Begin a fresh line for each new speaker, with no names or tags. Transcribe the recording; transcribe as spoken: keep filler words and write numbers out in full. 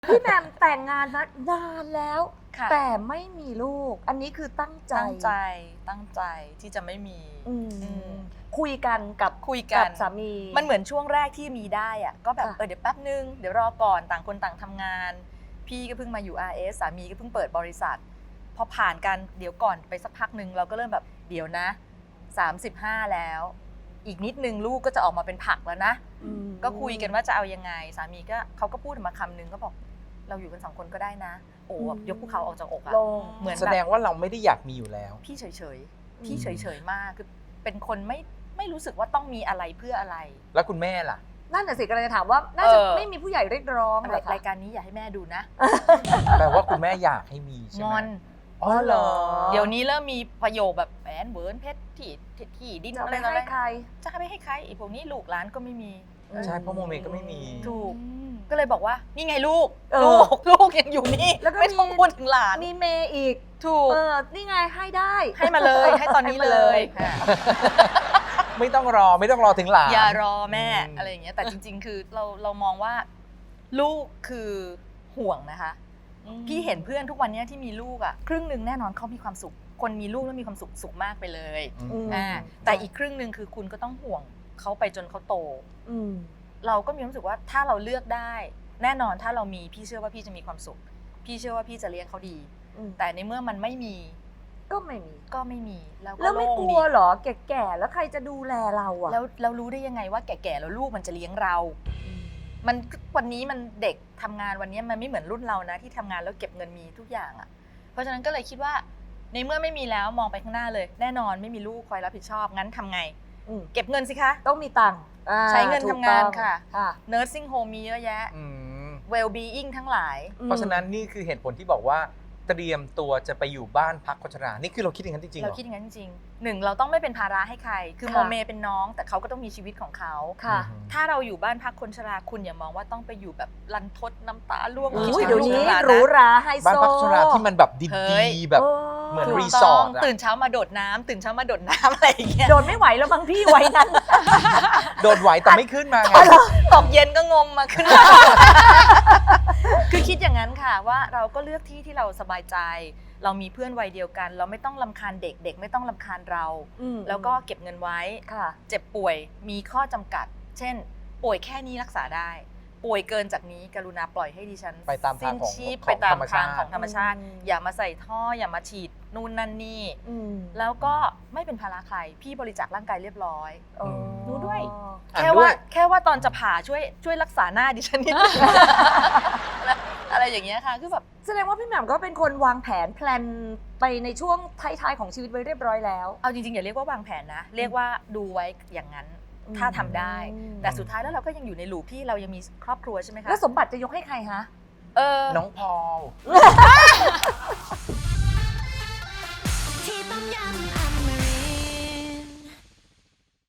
พี่แหม่มแต่งงานนะนานแล้ว
ค่ะ
แต่ไม่มีลูก อันนี้คือตั้งใจ
ตั้งใจตั้งใจที่จะไม่มี
อืม
อืม
คุยกันกับ
คุยกัน
สามี
มันเหมือนช่วงแรกที่มีได้อะก็แบบ
ค่ะ
เออเดี๋ยวแป๊บนึงเดี๋ยวรอก่อนต่างคนต่างทำงาน พี่ก็เพิ่งมาอยู่ อาร์ เอส สามีก็เพิ่งเปิดบริษัท พอผ่านกันเดี๋ยวก่อนไปสักพักหนึ่งเราก็เริ่มแบบเดี๋ยวนะสามสิบห้าแล้ว อีกนิดนึงลูกก็จะออกมาเป็นผักแล้วนะ
อืม
ก็คุยกันว่าจะเอายังไง สามีก็เขาก็พูดมาคำนึงก็บอกเราอยู่กันสองคนก็ได้นะ โอ้แบบยกภูเขาออกจากอกอะ
ลง
เหมือน
แสดงว่าเราไม่ได้อยากมีอยู่แล้ว
พี่เฉยๆ พี่เฉยๆ มาก คือเป็นคนไม่ไม่รู้สึกว่าต้องมีอะไรเพื่ออะไร
แล้วคุณแม่ล่ะ
นั่นน่ะสิกำลังจะถามว่า น่าจะ
เออ
ไม่มีผู้ใหญ่เรียกร้องเหรอคะ
รายการนี้อย่าให้แม่ดูนะ
แปลว่าคุณแม่อยากให้มีใช่
ง
ไหม
อน
อ๋อเหรอ
เดี๋ยวนี้เริ่มมีประโยคแบบแหวนเวิร์นเพชรที่ที่ที่ดิน
จะ
อะไร
ไป
ต่ออะไร
ให้ใคร
จะให้ไปให้ใครไอีพวกนี้ลูกหลานก็ไม่มี
ใช่เพราะโมเมก็ไม่มี
ถูก ก็เลยบอกว่านี่ไงลูก
เออ
ลูกลูกยังอยู่นี่
แล้วก็
ไม่ต้อง
มี
พูดถึงหลาน
มีเมย์อีก
ถูก
เออ นี่ไงให้ได้
ให้มาเลย ให้ตอนนี้
ให้มา
เล
เลย ย
ค่ะ
ไม่ต้องรอไม่ต้องรอถึงหลาน
อย่ารอแม่
อืม
อะไรอย่างเงี้ยแต่จริง ๆ คือเราเรามองว่าลูกคือห่วงนะคะ พี่เห็นเพื่อนทุกวันเนี้ยที่มีลูกอ่ะครึ่งหนึ่งแน่นอนเขามีความสุข คนมีลูกแล้วมีความสุขสุขมากไปเลย
อืม
อืม
อ่าแต่อีกครึ่งหนึ่งคือคุณก็ต้องห่วงเขาไปจนเขาโต
อืม
เราก็มีความรู้สึกว่าถ้าเราเลือกได้ แน่นอนถ้าเรามีพี่เชื่อว่าพี่จะมีความสุข พี่เชื่อว่าพี่จะเลี้ยงเขาดี
อืม
แต่ในเมื่อมันไม่มี
ก็ไม่มี
ก็ไม่มีแล้วก็
แล้วไม่
โล่ง
ก
ดี
ลัวเหรอ แก่ๆ แล้วใครจะดูแลเราอะ
แล้วเรารู้ได้ยังไงว่าแก่ๆแล้วลูกมันจะเลี้ยงเรา มันวันนี้มันเด็กทำงานวันนี้มันไม่เหมือนรุ่นเรานะที่ทำงานแล้วเก็บเงินมีทุกอย่างอะ่ะเพราะฉะนั้นก็เลยคิดว่าในเมื่อไม่มีแล้วมองไปข้างหน้าเลย แน่นอนไม่มีลูกคอยรับผิดชอบงั้นทำไง
อืม
เก็บเงินสิคะ
ต้องมีตังค์อ่า
ใช้เงิน
ถูก
ทำงาน
ต้อง
ค่ะ
ค่ะ
nursing home มีเยอะแยะ
อืม
well being ทั้งหลาย
เพราะฉะนั้นนี่คือเหตุผลที่บอกว่าเตรียมตัวจะไปอยู่บ้านพักคนชรานี่คือเราคิดอย่างนั้นจริงๆเหร
เรา
อ
คิดอย่างนั้นจริงๆหนึ่งเราต้องไม่เป็นภาระให้ใคร คือ
ค่ะ
โมเมเป็นน้อง แต่เขาก็ต้องมีชีวิตของเขา
ค่ะ
อืม
ถ้าเราอยู่บ้านพักคนชราคุณอย่ามองว่าต้องไปอยู่แบบรันทดน้ำตาร่วง
โอ้
อุ้ย
คิ
เดี๋ยว
ถึง
นี้
ลูก
หรู
ลานนะ
หราไฮโซ
บ้านพักคนชราที่มันแบบ
เฮ้ย
ดีๆแบบ
เออ
เหมือน
ถูก
รี
ต้
สอ
อง
ร์ทอะ
ตื่นเช้ามาโดดน้ำตื่นเช้ามาโดดน้ำอะไรอย่างเงี้ย
โดนไม่ไหวแล้วบางพี่ไว้นั้น
โดดไหวแต่ไม่ขึ้นมาไง
ตกเย็นก็งมมาขึ้นมา คือคิดอย่างนั้นค่ะว่าเราก็เลือกที่ที่เราสบายใจ เรามีเพื่อนวัยเดียวกัน เราไม่ต้องรำคาญเด็กเด็กไม่ต้องรำคาญเรา
อืม
แล้วก็เก็บเงินไว้
ค่ะ
เจ็บป่วยมีข้อจำกัด เช่น ป่วยแค่นี้รักษาได้ ป่วยเกินจากนี้กรุณาปล่อยให้ดิฉัน
ไปตามทางของ
สิ้นชีพ
ของ
ไปตาม
ธรรมชา
ทาง
ติ
ของธรรมชาติ
อืม
อย่ามาใส่ท่ออย่ามาฉีดนู่นนั่นนี่
อืม
แล้วก็ไม่เป็นภาระใครพี่บริจาคร่างกายเรียบร้อย
อ๋อ
ดูด้วย
อ่าน
แค่
ด้
ว่าย แค่ว่าตอนจะผ่าช่วยช่วยรักษาหน้าดิฉันนิดนึง อะไรอย่างเงี้ยค่ะคือแบบ
แสดงว่าพี่แหม่มก็เป็นคนวางแผนแพลนไปในช่วงท้ายๆของชีวิตไว้เรียบร้อยแล้ว
เอาจริงๆอย่าเรียกว่าวางแผนนะ เรียกว่าดูไว้อย่างนั้น
อืม
ถ้าทำได้
อืม
แต่สุดท้ายแล้วเราก็ยังอยู่ในลูปที่เรายังมีครอบครัวใช่ไหมคะ
แล้วสมบัติจะยกให้ใครคะ
เออ
น้องพอล